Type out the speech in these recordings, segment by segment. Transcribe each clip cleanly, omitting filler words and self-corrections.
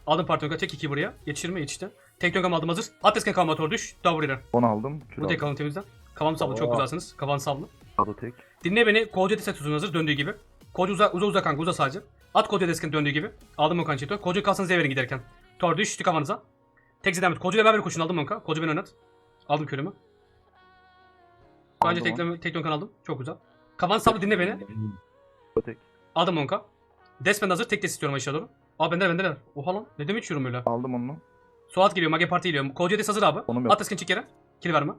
Aldım parti tek 2 buraya. Yetişir mi? Yetişti. Tek döngem aldım hazır. Atesken kalma tor düş. Davur ileri. 10 aldım. Kür Bu tek aldım. kalın temizden. Kafam sablı çok güzelsiniz. Kafan sablı. Sado tek. Dinle beni. Koca set uzun hazır döndüğü gibi. Koca uza kanka uza sadece. At koca desken döndüğü gibi. Aldım o kançeto. Koca kalsın Z verin giderken. Tor düştü kafanıza. Tek zedem et. Koca ile beraber koşun aldım onka. Koca beni oynat. Aldım körümü. Bence tek dönkan aldım. Çok güzel. Kafan sablı dinle beni. Sado tek. Aldım onka. Despen hazır. Tek des istiyorum aşağı doğru. Aa bendeler. Oha lan. Ne demek içiyorum öyle. Aldım onu. Suat geliyor. Mage Parti geliyor. Koca des hazır abi. Onum yok. At desken çık yere. Kill verme.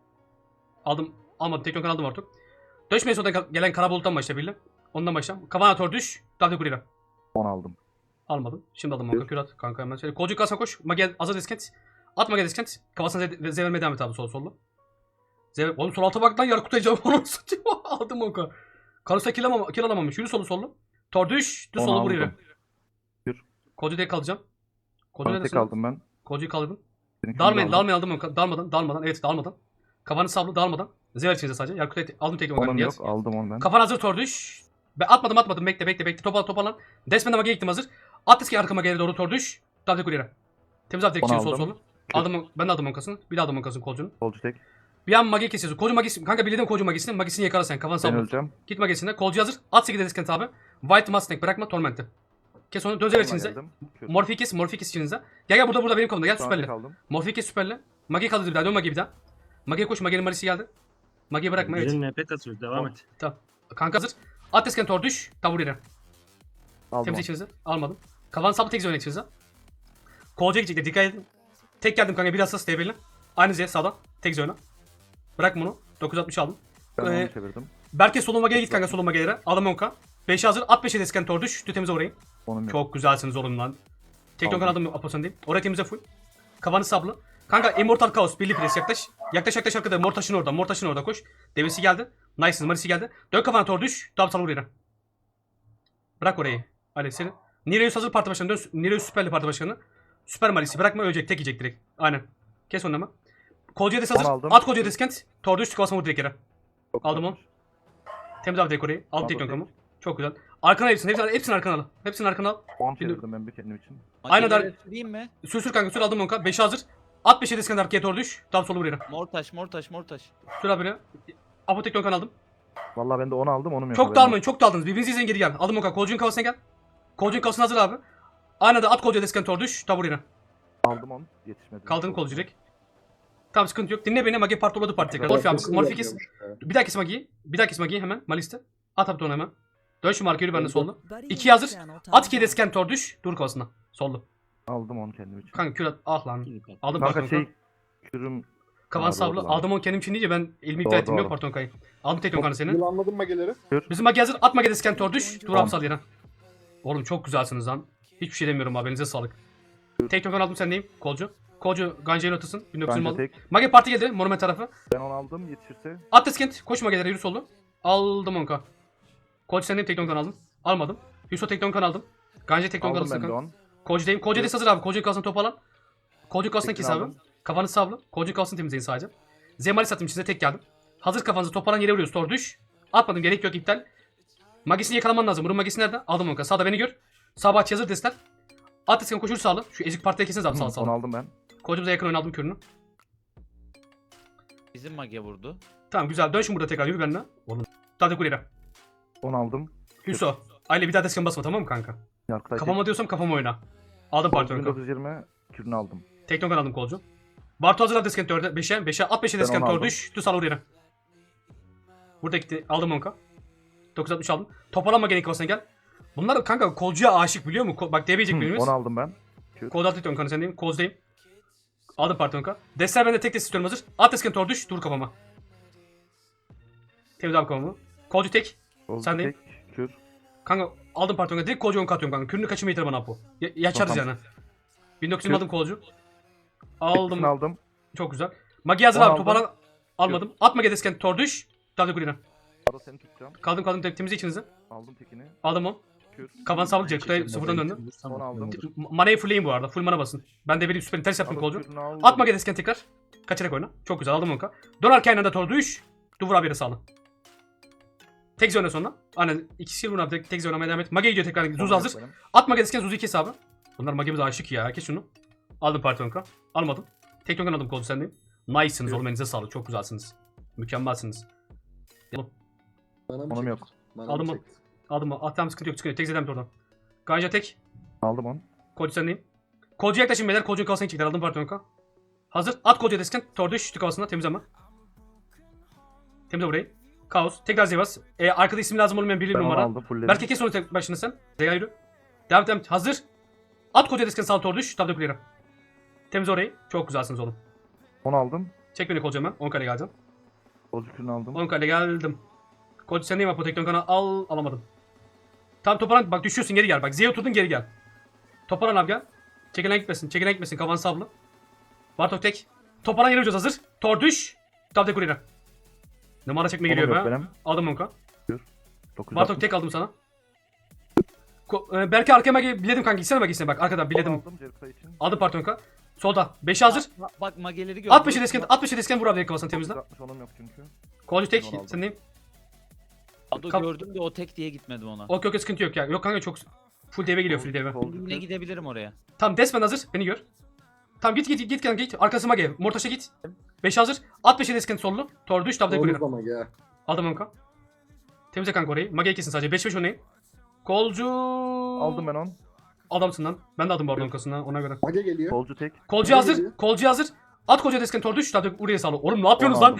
Aldım. Almadım. Tek dönkan aldım artık. Döşmeye sonradan gelen kara buluttan başla birle. Ondan başla. Kafana tor düş. Davde kurira. 10 aldım. Almadım. Şimdi aldım onka. Kür at. Kanka hemen. Şöyle. Kolcu kalsana koş. Mage hazır diskent. At Mage diskent. Kafasına zevermeye devam et abi sol sollu. Oğlum sol alta bak lan yarı kutayacağım. Onu satayım. Aldım onka. Karusla kill alamamış. Yürü solu. Tor düş. Düz 10 solu buraya. aldım. Kür. Kolcu tek kalacağım. Kolcu Tek neredesin? aldım ben. Kolcuyu kaldırdım. Seninkini Dalmayın aldım. aldım onka. Dalmadan. Evet dalmadan. Kafanı sablı dalmadan. Zever içinize sadece. Yarı kutayı aldım tek onka. Onum Niyaz. yok. Aldım onu ben. Kafan hazır tor düş. Atmadım. Bekle. Toparlan. Desmen'e mage gittim hazır. At eski arkama geri doğru tor düş. Davde kurira. Temiz abi tek Onu için sol aldım. solu. Aldım ben de aldım onkasını. Bir daha aldım onkasını kolcunun. Solcu tek. Bir an mage kesiyorsun. Kolcu magisi. Kanka bildim kolcu magisini. Magisini yakala sen. Kafanı Ben salla. öleceğim. Git magisine. Kolcu hazır. At 8 deskent abi. White Mustang bırakma Torment'i. Kes onu. Dön zever içinize. Geldim. Kür. Morphe kes içinize. Gel burada benim kolumda. Gel Şu an süperle. tek aldım. Morphe kes süperle. Mage kaldı bir daha. Dön mage bir daha. Mage'ye koş. Mage'nin malisi geldi. Mage'yi bırakma evet. Birinin NP kasıyor. Devam et. Tamam. Kanka hazır. At deskent tor düş. Tavur yere. Aldım Temiz onu. içinize. Almadım. Kavan sapı tek zone içinize. Kolca gidecekler. Dikkat edin. Tek geldim kanka. Bir asas DB'li. Aynı Z sağdan. Tek zone. Bırak bunu. 960 aldım. Ben onu Ee, çevirdim. Berke soluma gel git kanka soluma gelere. Aldım 10k. 5'e hazır. At 5'e desken tor düş. Temize orayı. Onum yok. Çok güzelsiniz oğlum lan. Tek Aldım. donkan aldım aposan değil. Oraya temize full. Kafanı sablı. Kanka Immortal Chaos. Birli pres yaklaş. Yaklaş arkada. Mortaş'ın orada koş. Devesi geldi. Nice'ın Marisi geldi. Dön kafana tor düş. Dab sal oraya. Bırak orayı. Ali seni. Nireus hazır parti başkanı. Dön. Nireus süperli parti başkanı. Süper Marisi. Bırakma ölecek. Tek yiyecek direkt. Aynen. Kes onu ama. Kolcuya des hazır. Onu aldım. At Kolcuya deskent. Tor düş. Kafasına vur direkt yere. Çok Aldım güzel. onu. Temiz abi dekoreyi. Aldım Aldım tek tek. donkamı. Çok güzel. Arkana hepsini arkana al. Hepsini arkana al. 10 çevirdim ben bir kendim için. Aynen Makineleri süreyim mi? Sür kanka sür aldım onka. 5'e hazır. At 5'e desken arkaya doğru düş. Tam solu buraya. Mortaş. Sür abi buraya. Apotek donkan aldım. Vallahi ben de 10 aldım. Onum yok. Çok haberin dalmayın çok daldınız. Birbirinizi izleyin geri gel. Aldım onka. Kolcuğun kafasına gel. Kolcuğun kafasına hazır abi. Aynı da at kolcuya desken doğru düş. Tam buraya. yok. Aldım onu. Yetişmedi. Kaldırın kolcu direkt. Tamam sıkıntı yok. Dinle beni. Magi partoladı parti tekrar. Morfi abi. Morfi kes. Bir daha kes Magi'yi. hemen. Maliste. At abi onu hemen. Dön şu marka yürü bende sollu. 2 hazır. At 2 desken tor düş. Dur kafasına. Sollu. Aldım onu kendim için. Kanka kür at. Ah lan. Aldım Kanka parton şey kürüm Kavan Aa, sablı. doğru lan. Aldım onu kendim için deyince ben elimi iptal Doğru, ettim yok doğru. parton kayı. Aldım tek donkanı senin. Yılanladın mageleri. Bizim magi hazır. At magi desken tor düş. Dur Tamam. apsal yere. Oğlum çok güzelsiniz lan. Hiçbir şey demiyorum abi. Elinize sağlık. Tek donkan aldım sendeyim. Kolcu. Kolcu Ganja'yı notasın. 1920 bence aldım. tek. Magi parti geldi. Monument tarafı. Ben onu aldım yetişirse. At deskent. Koş magelere yürü solu. Aldım onka. Kolcu sendeyim tek donkan aldım. Almadım. Yusuf tek donkan aldım. Ganja tek donkan Aldım ben de aldım. 10. Kolcu'dayım. Kolcu des hazır abi. Kolcu'nun kalsın topu alan. Kolcu'nun kalsın Tekini kes abi. aldım. Kafanı sablı. Kolcu'nun kalsın temizleyin sadece. Zemali satayım size tek geldim. Hazır kafanızı toparlan yere vuruyoruz. Tor düş. Atmadım gerek yok iptal. Magisini yakalaman lazım. Bunun magisi nerede? Aldım onka. Sağda beni gör. Sağ bahçe hazır desler. At desken koşur sağlı. Şu ezik partiye kesiniz abi sağ Onu sağlı. aldım ben. Kolcu'muza yakın oynadım kürünü. Bizim mage vurdu. Tamam güzel. Dön şimdi burada tekrar yürü benimle. Oğlum. Hadi kulera. 10 aldım. Hüso. Aile bir daha desken basma tamam mı kanka? Yarkıtay Kafama diyorsam kafama oyna. Aldım parti onka. 1920 kürünü aldım. Teknokan aldım kolcu. Bartu hazır al desken 4'e 5'e at 5'e desken onu tor aldım. düş. Düz al oraya. Burada gitti. Aldım onka. 960 aldım. Toparlanma gene kafasına gel. Bunlar kanka kolcuya aşık biliyor musun? Bak DB'cek birimiz. 10 aldım ben. Kod altı onkanı sendeyim. Kozdayım. Aldım parti onka. Destler bende tek des istiyorum hazır. At desken tor düş. Dur kafama. Temiz abi kafamı. Kolcu tek. Oldu Sen değil. tek. Kür. Kanka aldım parti onka. Direkt kolcu onka atıyorum kanka. Kürünü kaçırma yeter bana bu. Yaşarız Tamam. yani. 1900 aldım kolcu. Aldım. Aldım. Aldım. Çok güzel. Magi hazır 10 abi aldım. toparlan. Almadım. Atma gedesken tor düş. Davde kulina. Arada seni tutacağım. Kaldım temizle içinize. Aldım tekini. Aldım o. Kür. Kavan sağlık Kutay sıfırdan döndü. Onu aldım. Manayı fullleyin bu arada. Full mana basın. Ben de bir süper ters yaptım Arada kolcu. kürünü aldım. Atma gedesken tekrar. Kaçarak oyna. Çok güzel aldım onka. Dön arkaya aynı anda tor düş. Duvur abi yere sağla. Tek zone sonra. Aynen. İkisi vurun abi tek zone oynamaya devam et. Mage gidiyor tekrar. Zuz hazır. Atma gedesken Zuz'u kes abi. Bunlar magemize aşık ya. Kes şunu. Aldım parti tonka. Almadım. Tek tonkan aldım kolcu sendeyim. Nice'sınız oğlum, elinize sağlık. Çok güzelsiniz. Mükemmelsiniz. Bana mı Onum çekti? yok. Bana Aldım mı mı? çekti? Aldım mı? Tamam, sıkıntı yok. Sıkıntı yok. Tek zedem oradan. Ganja tek. Aldım onu. Kolcu sendeyim. Kolcuya yaklaşın beyler. Kolcu'nun kafasına çektiler. Aldım parti tonka. Hazır. At kolcuya desken. Tordu şütü kafasına. Temiz ama. Temizle burayı. Kaos. Tekrar Zevas. Arkada isim lazım olmayan bir Ben onu numara. aldım. Fullledim. Berke kes onu tek başına sen. Zeya yürü. Devam et, devam et. Hazır. At koca desken sağ tordu. Tabda kulera. Temiz orayı. Çok güzelsiniz oğlum. Onu aldım. Çek beni kolcu hemen. 10 kale geleceğim. Solcu kürünü aldım. 10 kale geldim. Kolcu sen neyim apotekton kana al. Alamadım. Tam toparan bak, düşüyorsun, geri gel. Bak Z'ye oturdun, geri gel. Toparan abi gel. Çekilen gitmesin. Çekilen gitmesin. Kavan sablı. Bartok tek. Toparan yere ucuz hazır. Tor düş. Tabda kulera. Numara çekme geliyor Onum yok be. benim. Aldım 10k. 960. Bartok tek aldım sana. Belki arkaya magi biledim kanka. Gitsene magi içine bak. Arkadan biledim. Aldım Jericho için. Aldım partonka. Solda. 5'e hazır. Bak mageleri gördüm. 60'ı desken, 60'ı desken vur abi direkt kafasına temizle. 960 onum yok çünkü. Kolcu tek. Onu aldım. Sen neyim? Ado Kap- gördüm de o tek diye gitmedim ona. Okey okey, sıkıntı yok ya. Yok kanka, çok full deve geliyor, full deve. Solcu Yine kür. gidebilirim oraya. Tamam, Desmen hazır. Beni gör. Tamam, git kanka git. Arkasıma gel. Mortaş'a git. 5 hazır. At 5'e desken sollu. Tor düş tabda Oğlum kulüre. ama ya. Aldım onka. Temizle kanka orayı. Mage'yi kesin sadece. 5-5 oynayın. Kolcu. Aldım ben onu. Adamsın lan. Ben de aldım bu arada onkasından ona göre. Mage geliyor. Solcu tek. Kolcu Mage hazır. geliyor. Kolcu hazır. At koca desken tor düş tabda oraya sağlı. Oğlum ne yapıyorsunuz Onu lan? aldım.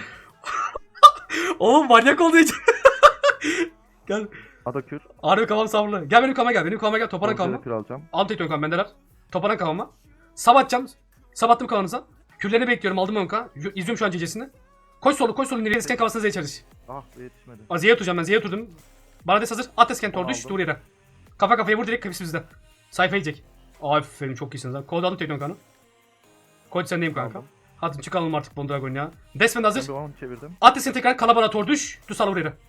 Oğlum manyak oldu hiç. Gel. Ada kür. Harbi kafam savrulu. Gel benim kafama gel. Benim kafama gel. Toparan Solcu kafama. kür alacağım. Al tek dön bendeler. Toparan kafama. Sabatacağım. Sabattım kafanıza. Kürlerini bekliyorum. Aldım onka. İzliyorum şu an cecesini. Koş solu nereye esken kafasına Z'ye çalış. Ah be yetişmedi. Z'ye oturacağım ben. Z'ye oturdum. Bana des hazır. At esken tor düş. Aldım. Dur yere. Kafa kafaya vur direkt, hepsi bizde. Sayfa yiyecek. Aferin, çok iyisiniz lan. Kod aldım tek dön kanı. Kod sendeyim kanka. Aldım. Hadi çıkalım artık Bondragon ya. Desmen Ben hazır. bir onu çevirdim. At esken tekrar kalabara tor düş. Dur sal buraya.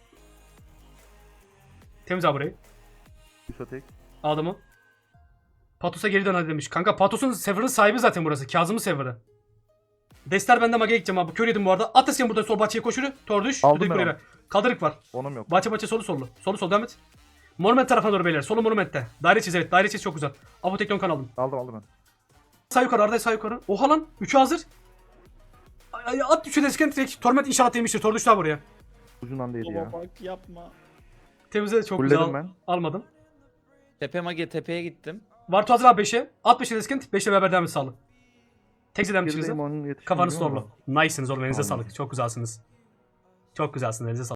Temiz abi burayı. Yusuf tek. Aldım o. Patos'a geri dön hadi demiş. Kanka Patos'un server'ın sahibi zaten burası. Kazım'ın server'ı. Dester bende Mage'ye gideceğim abi. Kör yedim bu arada. At esken burada sol bahçeye koşuru. Tor düş. Aldım Düdük ben buraya. Kaldırık var. Onum yok. Bahçe solu sollu. Solu sol devam et. Monument tarafına doğru beyler. Solu monumentte. Daire çiz, evet. Daire çiz çok güzel. Apotekton kan aldım. Aldım ben. Sağ yukarı Arda, sağ yukarı. Oha lan. 3'ü hazır. At düşü desken direkt. Torment inşallah demiştir. Tor düştü buraya. Ucundan değdi ya. Baba bak yapma. Temizle çok Fulledim güzel. ben. Almadım. Tepe mage tepeye gittim. Vartu hazır abi 5'e. At 5'e desken 5'le beraber devam et sağlı. Tek zedem Gerideyim çıkınızı. onun yetişmedi. Kafanız torlu. Nice'sınız oğlum, elinize Tamam. sağlık. Çok güzelsiniz. Çok güzelsiniz, elinize sağlık.